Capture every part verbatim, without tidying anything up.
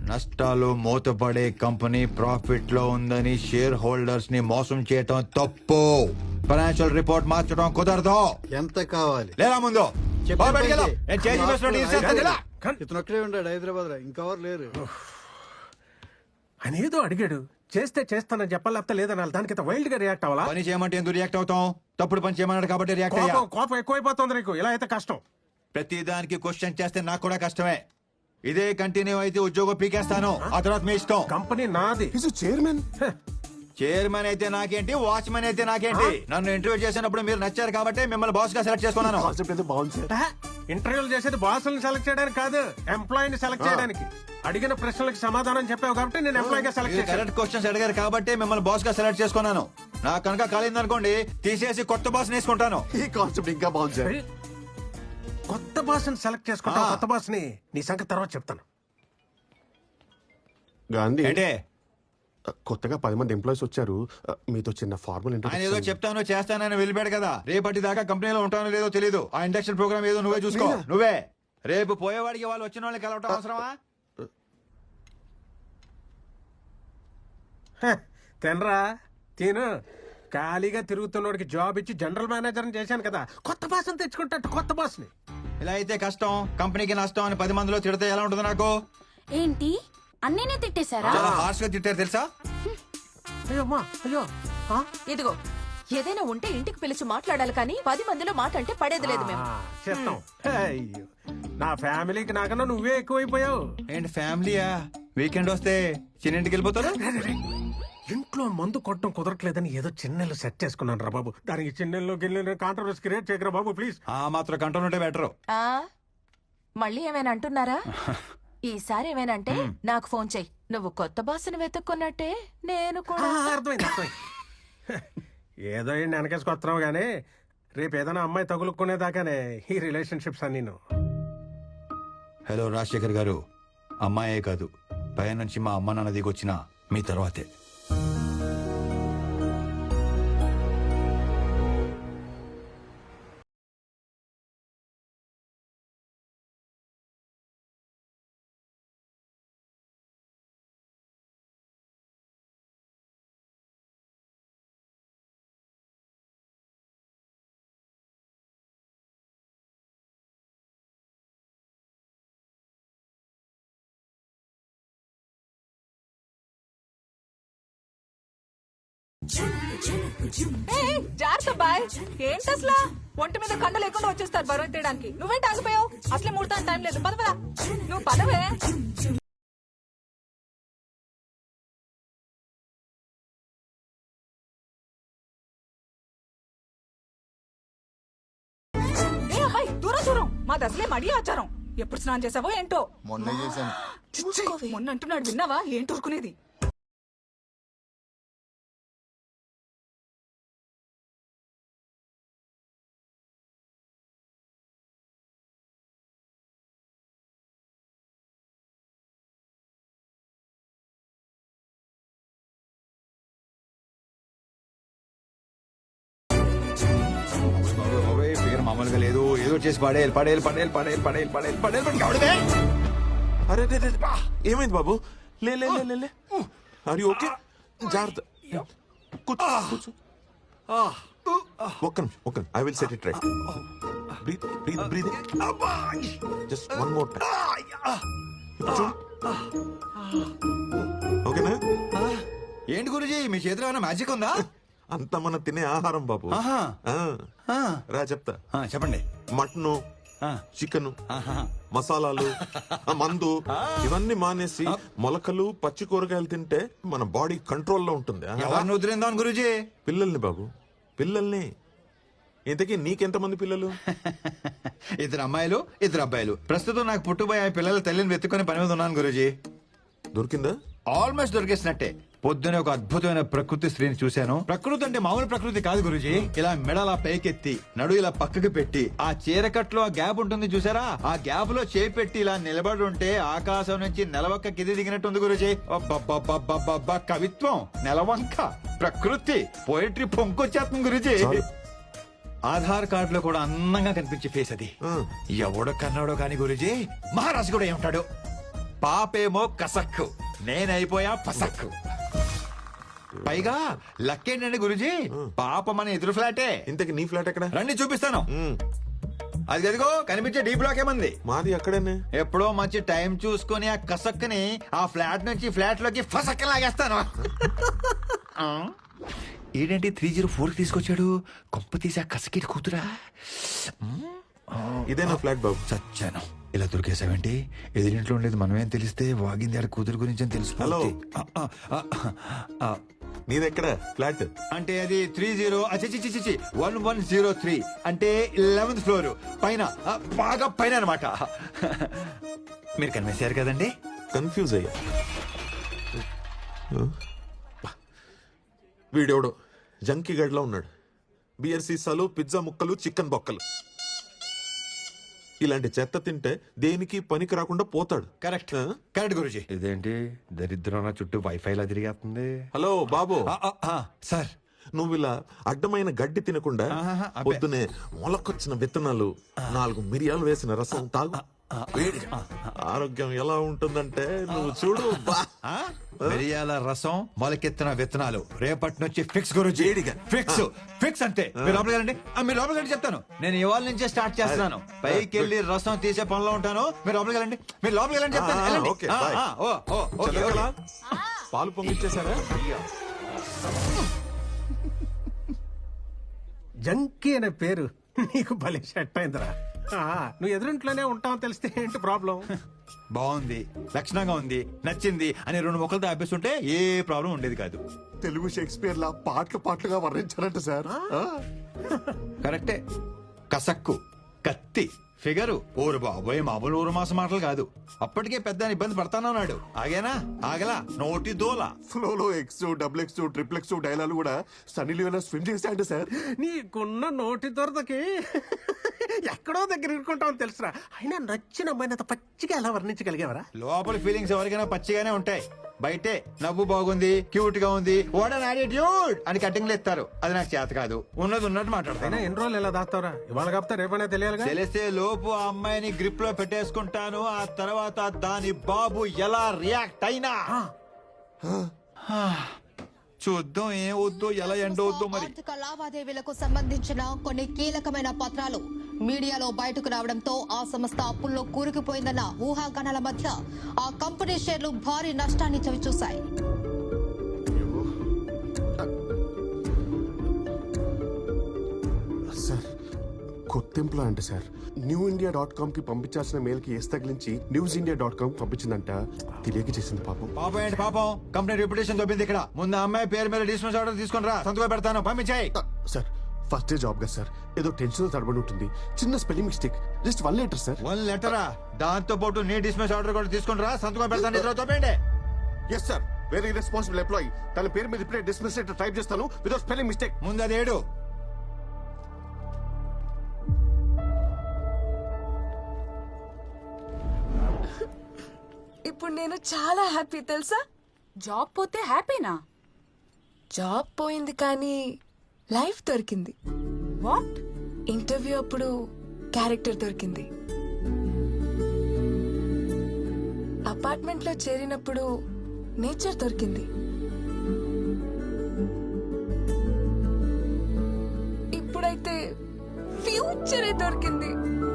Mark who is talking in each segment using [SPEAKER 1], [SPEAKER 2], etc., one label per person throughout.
[SPEAKER 1] నష్టాలు మూతపడే company profit లో ఉందని షేర్ హోల్డర్స్ ని మోసం చేయటం తప్పు. ఫైనాన్షియల్ రిపోర్ట్ మార్చడం కుదరదు.
[SPEAKER 2] ఎంత కావాలి?
[SPEAKER 1] లేదా ముందు
[SPEAKER 2] చెప్పు.
[SPEAKER 1] బాబు బయటికి వెళ్ళు. నేను చేంజ్ చేసినట్టు ఇది చేస్తాను కదా.
[SPEAKER 2] ఇతను ఒక్కడే ఉన్నాడు హైదరాబాద్ లో, ఇంకెవరు లేరు.
[SPEAKER 3] అని ఏదో అడిగాడు, చేస్తే చేస్తానని చెప్పాలి, లేకపోతే లేదనాలి. దానికి వైల్డ్ గా రియాక్ట్ అవ్వాలా?
[SPEAKER 1] పని చేయమంటే ఎందుకు రియాక్ట్ అవుతాం? తప్పుడు పని చేయమన్నాడు కాబట్టి రియాక్ట్ అయ్యా.
[SPEAKER 3] కోపం కోపం ఎక్కువైపోతుంది నీకు. ఇలా అయితే కష్టం.
[SPEAKER 1] ప్రతి దానికి క్వశ్చన్ చేస్తే నాకు కూడా కష్టమే. ఇదే కంటిన్యూ అయితే ఉద్యోగం పీకేస్తాను. ఆ తర్వాత మీ ఇష్టం.
[SPEAKER 3] కంపెనీ నాది.
[SPEAKER 4] చైర్మన్
[SPEAKER 1] చైర్మన్ అయితే నాకేంటి, వాచ్మెన్ అయితే నాకేంటి? నన్ను ఇంటర్వ్యూ చేసినప్పుడు మీరు నచ్చారు కాబట్టి మిమ్మల్ని బాస్ గా సెలెక్ట్ చేసుకున్నాను.
[SPEAKER 4] కాన్సెప్ట్ అయితే బాగుంది సార్.
[SPEAKER 3] ఇంటర్వ్యూలు చేసేది బాసులను సెలెక్ట్ చేయడానికి కాదు, ఎంప్లాయీని సెలెక్ట్ చేయడానికి. అడిగిన ప్రశ్నలకు సమాధానం చెప్పావు కాబట్టి నేను ఎంప్లాయీ గా సెలెక్ట్ చేశాను.
[SPEAKER 1] కరెక్ట్ క్వశ్చన్స్ అడిగారు కాబట్టి మిమ్మల్ని బాస్ గా సెలెక్ట్ చేసుకున్నాను. నాకు కనుక కాలింది అనుకోండి, తీసేసి కొత్త బాస్ వేసుకుంటాను.
[SPEAKER 4] ఈ కాన్సెప్ట్ ఇంకా బాగుంది సార్.
[SPEAKER 3] కొత్త బాస్ ని సెలెక్ట్ చేసుకుంటా. కొత్త బాస్ ని నీ సంగతి తర్వాత చెప్తాను.
[SPEAKER 4] గాంధీ
[SPEAKER 1] అంటే
[SPEAKER 4] కొత్తగా పది మంది ఎంప్లాయీస్ వచ్చారు, మీతో చిన్న ఫార్మల్
[SPEAKER 1] ఆయన ఏదో చెప్తాను చేస్తానని వెళ్ళిపోయాడు కదా. రేపటి దాకా కంపెనీలో ఉంటానో లేదో తెలీదు. ఆ ఇండక్షన్ ప్రోగ్రామ్ ఏదో నువ్వే చూసుకో. నువ్వే రేపు పోయేవాడికి వాళ్ళు వచ్చిన వాళ్ళని కలవటం అవసరమా?
[SPEAKER 3] తినరా తిను. ఖాళీగా తిరుగుతున్నోడికి జాబ్ ఇచ్చి జనరల్ మేనేజర్ చేశాను కదా. కొత్త బాస్ ని తెచ్చుకుంటా. కొత్త బాస్ ని.
[SPEAKER 1] ఇలా అయితే కష్టం, కంపెనీకి నష్టం అని పది మందిలో తిడితే ఎలా ఉంటుంది నాకు?
[SPEAKER 5] ఏంటి అన్నీనే తిట్టేశారా?
[SPEAKER 1] చాలా హార్ష్ గా తిట్టారు తెలుసా?
[SPEAKER 3] అయ్యో అమ్మా, అయ్యో. ఆ?
[SPEAKER 6] ఇదిగో ఏదైనా ఉంటే ఇంటికి పిలిచి మాట్లాడాలి కానీ పది మందిలో మాట అంటే పడేది లేదు మేము.
[SPEAKER 3] ఆ, చేస్తాం. అయ్యో, నా ఫ్యామిలీకి నాకన్నా నువ్వే ఎక్కువైపోయావు.
[SPEAKER 1] ఏంటి ఫ్యామిలీయా? వీకెండ్ వస్తే చిన్నింటికి వెళ్ళిపోతారు.
[SPEAKER 3] ఇంట్లో మందు కొట్టడం కుదరట్లేదని ఏదో చిన్నెళ్ళు సెట్ చేసుకున్నాను రా బాబు. దానికి చిన్నెల్లో గిన్నెలు కాంట్రవర్సీ క్రియేట్ చేయకరా బాబు ప్లీజ్.
[SPEAKER 1] ఆ మాత్రం కంట్రోల్ ఉంటే బెటర్.
[SPEAKER 6] ఆ మళ్ళీ ఏమైనా అంటున్నారా? ఈసారి ఏమైనంటే నాకు ఫోన్ చెయ్యి. నువ్వు కొత్త బాసుని వెతుక్కున్నట్టే నేను కూడా.
[SPEAKER 3] అర్థమైంది అర్థమైంది. ఏదో ఏంటి వెనకేసుకొస్తున్నావు గానీ రేపు ఏదైనా అమ్మాయి తగులుకునేదాకానే ఈ రిలేషన్షిప్స్ అన్ని.
[SPEAKER 1] హలో రాజశేఖర్ గారు, అమ్మాయే కాదు పై నుంచి మా అమ్మ నాన్న దిగొచ్చిన మీ తర్వాతే.
[SPEAKER 6] జాగ్రత్త బాయ్. ఏంటి అసలు ఒంటి మీద కండ లేకుండా వచ్చేస్తారు బరువు తీయడానికి. నువ్వేంటి ఆగిపోయావు? అసలే ముడతాను టైం లేదు. పద పద. నువ్వు పదవే. ఏ అబ్బాయి దూరం దూరం. మాది అసలే మడి ఆచారం. ఎప్పుడు స్నానం చేసావో ఏంటో.
[SPEAKER 2] మొన్న చేశాను.
[SPEAKER 6] మొన్న అంటున్నాడు విన్నావా? ఏంటి ఊరుకునేది?
[SPEAKER 1] మామూలుగా లేదు, ఏదో చేసి పడేయాలి పడేయాలి పడేయాలి పడేయాలి పడేయాలి పడేయాలి పడేయాలి.
[SPEAKER 4] అరే ఏమైంది బాబు? లే లే లే లే ఆర్ యు ఓకే? జాగ్రత్త కూర్చో కూర్చో. ఒక్క నిమిషం ఒక్క I will set it right. Breathe breathe breathe just one more time. ఓకేనా?
[SPEAKER 1] ఏంటి గురుజీ మీ చేతిలో ఏమైనా మ్యాజిక్ ఉందా?
[SPEAKER 4] అంత మన తినే ఆహారం బాబు.
[SPEAKER 1] ఆహా.
[SPEAKER 4] ఆ, రా చెప్తా.
[SPEAKER 1] ఆ, చెప్పండి.
[SPEAKER 4] మటన్, చికెన్, మసాలాలు, మందు ఇవన్నీ మానేసి మొలకలు పచ్చి కూరగాయలు తింటే మన బాడీ కంట్రోల్లో ఉంటుంది.
[SPEAKER 1] ఎవరిని వదిలిందా గురుజీ?
[SPEAKER 4] పిల్లల్ని బాబు, పిల్లల్ని. ఇంతకీ నీకెంతమంది పిల్లలు?
[SPEAKER 1] ఇద్దరు అమ్మాయిలు ఇద్దరు అబ్బాయిలు. ప్రస్తుతం నాకు పుట్టుబోయే పిల్లల తల్లిని వెతుక్కుని పని మీద ఉన్నాను గురుజీ.
[SPEAKER 4] దొరికిందా?
[SPEAKER 1] ఆల్మోస్ట్ దొరికేసినట్టే. పొద్దునే ఒక అద్భుతమైన ప్రకృతి స్త్రీని చూశాను. ప్రకృతి అంటే మామూలు ప్రకృతి కాదు గురుజీ. ఇలా మెడలా పైకెత్తి నడు ఇలా పక్కకి పెట్టి ఆ చీరకట్లో ఆ గ్యాప్ ఉంటుంది చూసారా, ఆ గ్యాప్ లో చేయి పెట్టి ఇలా నిలబడి ఉంటే ఆకాశం నుంచి నెలవంక కింది దిగినట్టుంది గురుజీ. కవిత్వం, నెలవంక, ప్రకృతి, పోయిటరీ పొంకొచ్చేస్తుంది గురుజీ. ఆధార్ కార్డు లో కూడా అందంగా కనిపించే ఫేస్ అది. ఎవడో కన్నాడో కానీ గురుజీ మహారాజు కూడా ఏమంటాడు? పాపేమో కసక్కు, నేనైపోయా పసక్కు. పైగా లక్కేంటండి గురుజీ, పాప మన ఎదురు ఫ్లాటే.
[SPEAKER 4] ఇంతకి నీ ఫ్లాట్ ఎక్కడ?
[SPEAKER 1] రండి చూపిస్తాను.
[SPEAKER 4] మ్,
[SPEAKER 1] అది గదిగో కనిపించే డీ బ్లాక్ ఏమంది.
[SPEAKER 4] మాది అక్కడేనే.
[SPEAKER 1] ఎప్పుడో మంచి టైం చూసుకొని ఆ కసక్కని ఆ ఫ్లాట్ నుంచి ఫ్లాట్ లోకి ఫసక్క లాగేస్తాను. ఆ? ఏంటంటే త్రీ జీరో ఫోర్ కి తీసుకొచ్చాడు. కొంప తీసి ఆ కసకి కూతురా.
[SPEAKER 4] ఇదే నా ఫ్లాట్ బాబు.
[SPEAKER 1] చచ్చాను. ఇలా దొరికేసావేంటి? ఎదురింట్లో ఉండేది మనమేం తెలిస్తే వాగింది ఆడ కూతురు గురించి అని తెలుసు.
[SPEAKER 4] హలో. నీదెక్కడ ఫ్లాట్?
[SPEAKER 1] అంటే అది త్రీ జీరో చిచి వన్ వన్ జీరో త్రీ అంటే లెవెన్త్ ఫ్లోర్ పైన, ఆ, బాగా పైన అనమాట. మీరు కనిపించారు కదండి.
[SPEAKER 4] కన్ఫ్యూజ్ అయ్యా. వీడెవడో జంకీ గడ్లో ఉన్నాడు. బియర్ సీసాలు, పిజ్జా ముక్కలు, చికెన్ బొక్కలు. ఇలాంటి చెత్త తింటే దేనికి పనికి రాకుండా పోతాడు.
[SPEAKER 1] కరెక్ట్
[SPEAKER 4] ఆ?
[SPEAKER 1] కరెక్ట్ గురుజీ. ఇదేంటి దరిద్రం నా చుట్టూ వైఫై లా తిరిగేస్తుంది.
[SPEAKER 4] హలో బాబు,
[SPEAKER 1] సార్
[SPEAKER 4] నువ్వు ఇలా అడ్డమైన గడ్డి తినకుండా
[SPEAKER 1] ఆహాహా, అబ్బే.
[SPEAKER 4] పొద్దునే మొలకొచ్చిన విత్తనాలు, నాలుగు మిరియాలు వేసిన రసం తాగు. వేడిగా. ఆరోగ్యం ఎలా ఉంటుందంటే నువ్వు చూడు. బా.
[SPEAKER 1] ఆ? మిరియాల రసం, మొలకెత్తిన విత్తనాలు రేపటి నుంచి ఫిక్స్ గురుజీ.
[SPEAKER 4] వేడిగా.
[SPEAKER 1] ఫిక్స్ ఫిక్స్ అంతే. మీరు లోపలికి వెళ్ళండి. ఆ, మీరు లోపలికి వెళ్ళి చెప్తాను. నేను ఇవాళ నుంచే స్టార్ట్ చేస్తున్నాను. పైకి వెళ్ళి రసం తీసే పనిలో ఉంటాను. మీరు లోపలికి వెళ్ళండి. మీరు లోపలికి వెళ్ళండి చెప్తాను.
[SPEAKER 4] ఆ,
[SPEAKER 1] వెళ్ళండి.
[SPEAKER 4] ఓకే,
[SPEAKER 1] ఆ,
[SPEAKER 4] బాయ్.
[SPEAKER 1] ఆ, oh, oh, okay,
[SPEAKER 4] Chandrakala,
[SPEAKER 1] okay.
[SPEAKER 4] పాలు పొంగిచ్చేసారా?
[SPEAKER 3] జంకీ అనే పేరు నీకు భలే సెట్ అయిందిరా. ఆ, నువ్వు ఎదురింట్లోనే ఉంటావు తెలిస్తే ఏంటి ప్రాబ్లం?
[SPEAKER 1] బాగుంది, లక్షణంగా ఉంది, నచ్చింది అని రెండు మొక్కలతో ఆపేస్తుంటే ఏ ప్రాబ్లం ఉండేది కాదు.
[SPEAKER 7] తెలుగు షేక్స్పియర్ లా పాటలు పాటలుగా వర్ణించారంట సార్. ఆ?
[SPEAKER 1] కరెక్టే. కసక్కు, కత్తి, ఫిగరు, ఊరు బాబోయ్ మామూలు ఊరు మాస మాటలు కాదు. అప్పటికే పెద్ద ఇబ్బంది పడతానన్నాడు. ఆగేనా? ఆగలా. నోటి దోల.
[SPEAKER 7] ఫ్లోలో X double X triple X dialogue కూడా సన్నీ లియోనా స్విమ్ చేశాయంట సార్.
[SPEAKER 3] నీకున్న నోటి దొరదకి ఎక్కడో దగ్గర ఇరుకుంటావు తెలుసురా. అయినా నచ్చిన అమ్మాయిని అంత పచ్చిగా ఎలా వర్ణించగలిగేవరా?
[SPEAKER 1] లోపల ఫీలింగ్స్ ఎవరికైనా పచ్చిగానే ఉంటాయి. బయటే నవ్వు బాగుంది, క్యూట్ గా ఉంది, వాట్ అన్ యాటిట్యూడ్ అని కటింగ్లు ఎత్తారు. అది నాకు చేత కాదు. ఉన్నది ఉన్నట్టు
[SPEAKER 3] అయినా
[SPEAKER 1] మాట్లాడతాను.
[SPEAKER 3] ఎన్ని రోజులు ఎలా దాస్తావురా? ఇవాళ కాపుతా రేపనే తెలియాలిగా.
[SPEAKER 1] తెలిసే లోపు ఆ అమ్మాయిని గ్రిప్ లో పెట్టేసుకుంటాను. ఆ తర్వాత దాని బాబు ఎలా రియాక్ట్ అయినా చూద్దాం. ఏం వద్దు, ఎలా ఎండవద్దు మరి.
[SPEAKER 8] ఆర్థిక లావాదేవీలకు సంబంధించిన కొన్ని కీలకమైన పత్రాలు మీడియాలో బయటకు రావడంతో ఆ సంస్థ అప్పుల్లో కూరుకుపోయిందన్న ఊహాగానాల మధ్య ఆ కంపెనీ షేర్లు భారీ నష్టాన్ని చవిచూశాయి.
[SPEAKER 7] సార్ కొత్త employee sir. New India dot com కి పంపించాల్సిన మెయిల్ కి ఎస్ తగిలించి న్యూస్ ఇండియా డాట్ కామ్ పంపించిందంట. తెలియక చేసింది పాపం.
[SPEAKER 1] పాపం ఏంటి పాపం? కంపెనీ రెప్యుటేషన్ దొబ్బింది ఇక్కడ. ముందు ఆ అమ్మాయి పేరు మీద డిస్మిస్ ఆర్డర్ తీసుకుని రా, సంతకం పెడతాను. పంపించాయి.
[SPEAKER 7] ఆ, సార్ ఫస్ట్ డే జాబ్ కదా సార్, ఏదో టెన్షన్ తడబడి ఉంటుంది. చిన్న spelling mistake, just one letter sir.
[SPEAKER 1] One లెటరా? దాంతో పాటు నీ డిస్మిస్ ఆర్డర్ కూడా తీసుకుని రా, సంతకం పెడతాను. ఇద్దరు తోపేయండి.
[SPEAKER 7] Yes sir, very responsible employee. తన పేరు మీద ఇప్పుడే డిస్మిస్ లెటర్ టైప్ చేస్తాను వితౌట్ స్పెల్లింగ్ మిస్టేక్.
[SPEAKER 1] ముందు అది ఏడు.
[SPEAKER 9] ఇప్పుడు నేను చాలా హ్యాపీ తెలుసా?
[SPEAKER 5] జాబ్ పోతే హ్యాపీనా?
[SPEAKER 9] జాబ్ పోయింది కానీ లైఫ్ దొరికింది.
[SPEAKER 5] వాట్?
[SPEAKER 9] ఇంటర్వ్యూ అప్పుడు క్యారెక్టర్ దొరికింది. అపార్ట్మెంట్ లో చేరినప్పుడు నేచర్ దొరికింది. ఇప్పుడైతే ఫ్యూచరే దొరికింది.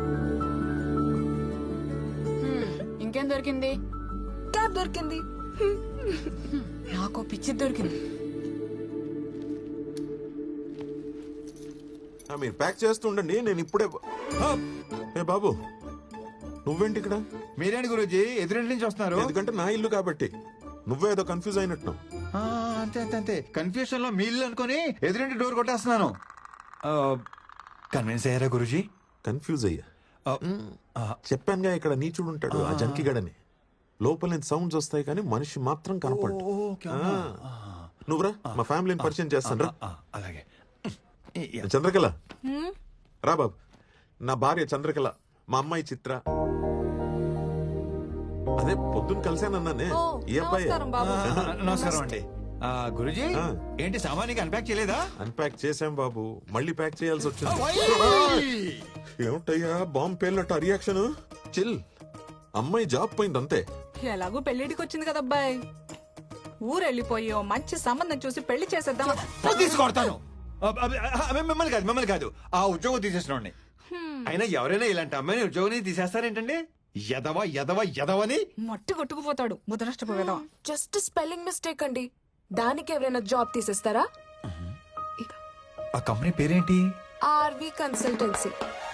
[SPEAKER 5] ఇంకేం దొరికింది?
[SPEAKER 9] క్యాబ్ దొరికింది.
[SPEAKER 5] నాకు పిచ్చి దొరికింది.
[SPEAKER 4] ఆ, మీరు ప్యాక్ చేస్తూ ఉండండి, నేను ఇప్పుడే. ఆ, ఏ బాబు, నువ్వేంటి ఇక్కడ?
[SPEAKER 1] మీరేంటి గురూజీ ఎదురింటి నుంచి వస్తున్నారు?
[SPEAKER 4] ఎందుకంటే నా ఇల్లు కాబట్టి. నువ్వే ఏదో కన్ఫ్యూజ్ అయినట్టు.
[SPEAKER 1] ఆ, అంతే అంతే అంతే. కన్ఫ్యూషన్ లో మీ ఇల్లు అనుకుని ఎదురింటి డోర్ కొట్టేస్తున్నాను. కన్విన్స్ అయ్యారా గురూజీ?
[SPEAKER 4] కన్ఫ్యూజ్ అయ్యా.
[SPEAKER 1] ఆ,
[SPEAKER 4] చెప్పానుగా ఇక్కడ నీచుడు ఉంటాడు, ఆ జంకిగడని. లోపల నుంచి సౌండ్స్ వస్తాయి కానీ మనిషి మాత్రం కనపడు.
[SPEAKER 1] ఓ, ఓకే, అవునా?
[SPEAKER 4] నువ్వురా, మా ఫ్యామిలీని పరిచయం చేస్తాను రా.
[SPEAKER 1] ఆ, అలాగే.
[SPEAKER 4] చంద్రకళ రా బాబు. నా భార్య చంద్రకళ, మా అమ్మాయి చిత్ర. అదే పొద్దున్న కలిసానన్నానే, ఈ అబ్బాయి.
[SPEAKER 1] ఆ, నమస్కారం అండి. ఆ, గురూజీ
[SPEAKER 4] ఆ.
[SPEAKER 1] ఏంటి సామాన్యంగా అన్పాక్ చేయలేదా?
[SPEAKER 4] అన్పాక్ చేసాం బాబు, మళ్ళీ ప్యాక్ చేయాల్సి వచ్చింది. ఏమిటయ్యా బాంబు పేలినట్టు రియాక్షన్? చిల్. అమ్మాయి జాబ్ పోయింది అంతే,
[SPEAKER 5] ఎలాగో పెళ్లిడికి వచ్చింది కదా అబ్బాయి, ఊరు వెళ్ళిపోయి ఓ మంచి సంబంధం చూసి పెళ్లి చేసేద్దాం.
[SPEAKER 1] తీసుకొడతాను. అబ్బ, అబ్బ, అబ్బ, మిమ్మల్ని కాదు మిమ్మల్ని కాదు ఆ ఉద్యోగం తీసేసిన అయినా ఎవరైనా ఇలాంటి అమ్మాయిని ఉద్యోగం తీసేస్తారేంటండి? ఎదవ ఎదవ ఎదవని
[SPEAKER 5] మట్టి కొట్టుకుపోతాడు ముదనష్టపోయేదా.
[SPEAKER 9] జస్ట్ స్పెల్లింగ్ మిస్టేక్ అండి, దానికి ఎవరైనా జాబ్ తీసేస్తారా?
[SPEAKER 1] ఆ కంపెనీ పేరేంటి?
[SPEAKER 9] R V consultancy.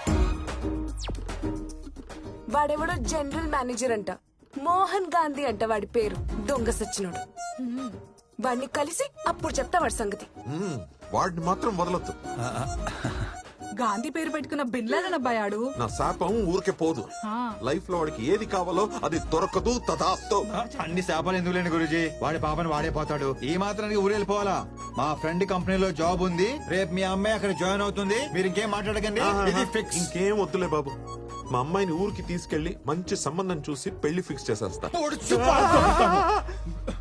[SPEAKER 9] వాడెవడో జనరల్ మేనేజర్ అంట, మోహన్ గాంధీ అంట వాడి పేరు. దొంగ సచ్చినోడు. వాడిని కలిసి అప్పుడు చెప్తా వాడి సంగతి.
[SPEAKER 4] మ్మ్. వాడిని మాత్రం వదలొద్దు.
[SPEAKER 5] గాంధీ పేరు పెట్టుకున్న బిన్లాడన్ అబ్బాయి ఆడు.
[SPEAKER 4] నా శాపం ఊరికే పోదు. లైఫ్ లో వాడికి ఏది కావాలో అది దొరకదు. తదాస్తు.
[SPEAKER 1] అన్ని శాపాలు ఎందుకు లేండి గురూజీ, వాడి పాపని వాడే పోతాడు. ఈ మాత్రానికి ఊరు వెళ్ళిపోవాలా? మా ఫ్రెండ్ కంపెనీలో జాబ్ ఉంది, రేపు మీ అమ్మాయి అక్కడ జాయిన్ అవుతుంది. మీరు ఇంకేం మాట్లాడకండి, ఇది ఫిక్స్.
[SPEAKER 4] ఇంకేం వద్దులే బాబు, మా అమ్మాయిని ఊరికి తీసుకెళ్లి మంచి సంబంధం చూసి పెళ్లి ఫిక్స్ చేసేస్తా.